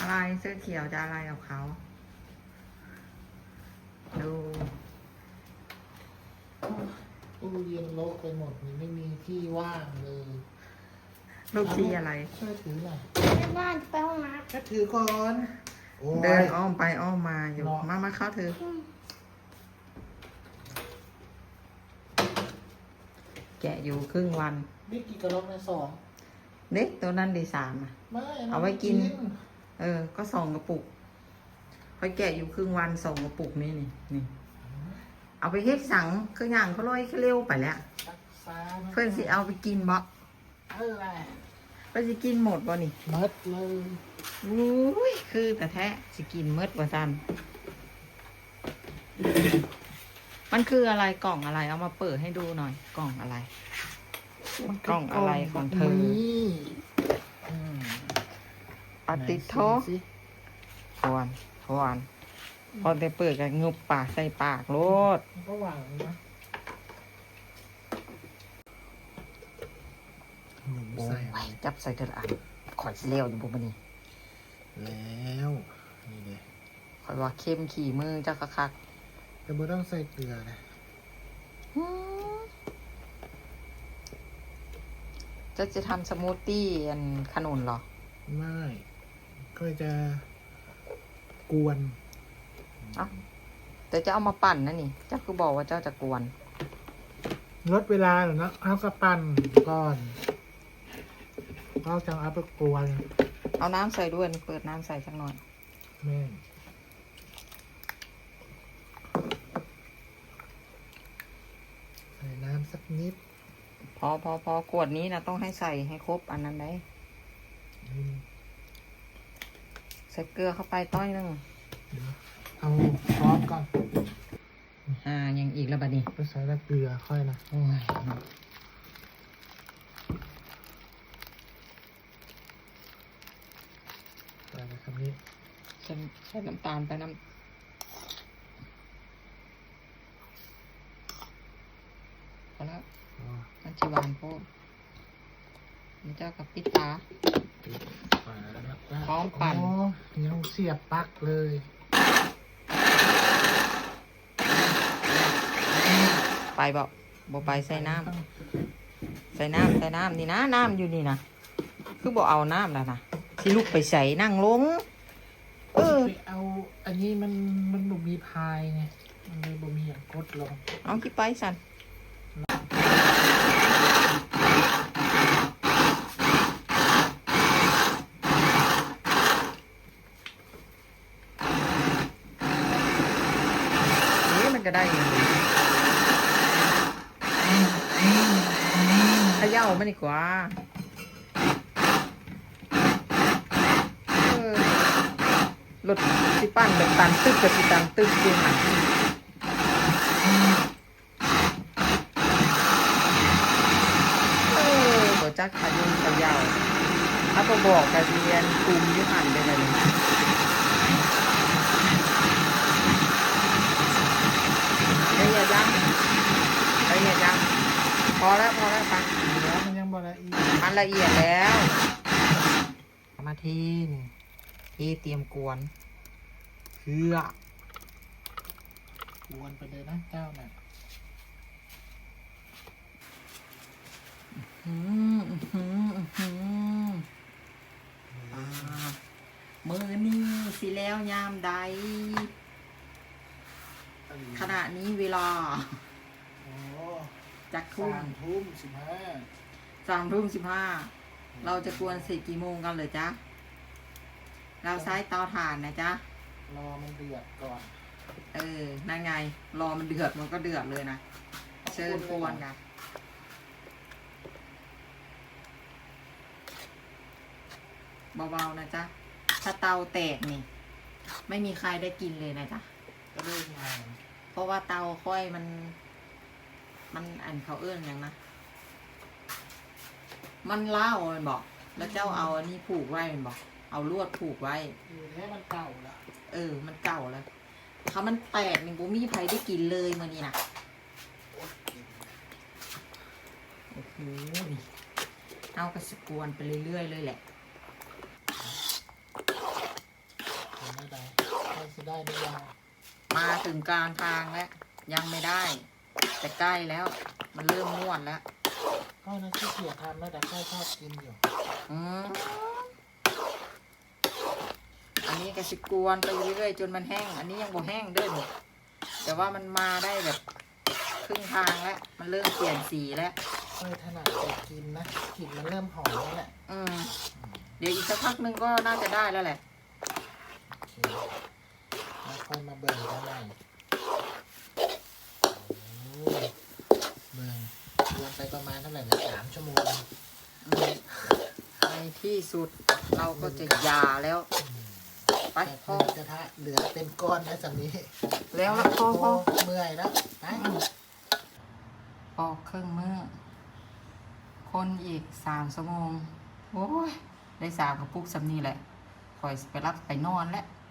อะไรเสื้อเขียวจะอะไรกับเขาดูตู้เย็นโลกไปหมดนี่ไม่มีที่ว่างเลยลูกที่อะไรช่วยถือหน่อยแม่บ้านจะไปห้องน้ก็ถือก่อนโอ้ยเดินอ้อมไปอ้อมมาอยู่เนาะมาเข้าเธอ แกะอยู่ครึ่งวันนี่กี่กระลอกในสองเด็กตัวนั้นดี3อ่ะไม่เอาไว้กิน ก็2 กระปุกค่อยแกะอยู่ครึ่งวัน2 กระปุกนี่นี่ เอาไปเฮ็ดสังคืออย่างเขาลอยเร็วไปแล้วรักษาเพื่อนสิเอาไปกินบ่อะไรเพื่อนสิกินหมดบ่นี่มัดเลยอุ้ยคือแต่แท้สิกินเมดว่าซันมันคืออะไรกล่องอะไรเอามาเปิดให้ดูหน่อย กล่องอะไร กล่องอะไรของเธอนี่อืมปฏิโทไหนสิทวนพอได้เปิดกันงุบปากใส่ปากโลดมันก็หวังนะหนูโอ้ใส่ยอะไรจับใส่เธออันข่อยสิเลี้ยวอยู่บุบนี่แล้วนี่เลยข่อยว่าเข้มขี่มือจักคักแต่ไม่ต้องใส่เกลือนะจะทำสมูทตี้อันขนุนเหรอไม่ก็จะกวนเอ้าแต่จะเอามาปั่นนะนี่เจ้าคือบอกว่าเจ้าจะกวนลดเวลาหน่อยนะเอากระปั่นก่อนก็จะเอาไปกวนเอาน้ำใส่ด้วยนี่เปิดน้ำใส่สักหน่อยแม่ใส่น้ำสักนิดพอขวดนี้นะต้องให้ใส่ให้ครบอันนั้นได้อืมใส่เกลือเข้าไปต้อยหนึงเดี๋ยวเอาซอสก่อนยังอีกแล้วบัดนี้ไปใส่แล้วเกลือค่อยนะโอ้ยใส่ไปคำนี้ใส่น้ำตาลไปพอแล้วอ๋อมันจิหวานโพดนี่เจ้ากับปิดตาปิดฝาแล้วนะพร้อมปั่นโอ้ยังเสียบปลั๊กเลยไปบอกไปใส่น้ำใส่น้ำนี่นะน้ำอยู่นี่นะคือบอกเอาน้ำแล้วนะที่ลูกไปใส่นั่งลงไปเอาอันนี้มันบ่มีพายไงมันเลยบ่มีอย่างกดลงเอาขี้ไปสันนี่มันก็ได้อยู่เขย่ามันดีกว่ารถสิปั้นแบบตันตึกกับสิตันตึกจริงค่ะตัวจักขายุงขยาวถ้าพอบอกกระเรียนกลุ่มยุหันไปเลยละเอียดยังพอแล้วปังแล้วมันยังบ่ละเอียดมันละเอียดแล้วมาทีนี่ที่เตรียมกวนเพื่อกวนไปเลยนะเจ้าน่ะมือนี่สิแล้วยามใดขณะนี้เวลาโอ้จักทุ่ม 3:15 3:15เราจะกวนเสร็จกี่โมงกันเลยจ๊ะเราใช้เตาถ่านนะจ๊ะรอมันเดือดก่อนนั่นไงรอมันเดือดมันก็เดือดเลยนะเชิญกวนกันเบาๆนะจ๊ะถ้าเตาแตกนี่ไม่มีใครได้กินเลยนะจ๊ะก็เริ่มงานเพราะว่าเตาค่อยมันอันเขาเอื้อนอย่างนะมันเล่ามันบอกแล้วเจ้าเอาอันนี้ผูกไว้มันบอกเอาลวดผูกไว้อยู่แค่มันเก่าละมันเก่าแล้วเขามันแตกนี่บุมีใครได้กินเลยมื่อนี้นะโอ้โหนี่เอากระสกวนไปเรื่อยๆเลยแหละไม่ได้ใกล้จะได้หรือยังมาถึงกลางทางแล้วยังไม่ได้ แต่ใกล้แล้ว มันเริ่มนวดแล้วก็นั่นขี้เกียจทำแล้วแต่ค่อยชอบกินอยู่อืมอันนี้ก็สิกวนไปเรื่อยๆจนมันแห้ง อันนี้ยังบ่แห้งเด้อนี่แต่ว่ามันมาได้แบบครึ่งทางแล้ว มันเริ่มเปลี่ยนสีแล้วค่อยถนัดแต่กินนะกลิ่นมันเริ่มหอมแล้วแหละเดี๋ยวอีกสักพักนึงก็น่าจะได้แล้วแหละโอเคแล้วค่อยมาเบิ่งกันใหม่โอ้เบิ่งรวมไปประมาณเท่าไหร่นะ3 ชั่วโมงในที่สุดเราก็จะหยาแล้ว ไปแต่พ่อกระทะเหลือเป็นก้อนนะสำนี้แล้วละพ่อเมื่อยแล้วไปปอกเครื่องมือคนอีก3 ชั่วโมง โอ้ย ได้3 กระปุกสำนี้แหละคอยไปรับไปนอนแล้ว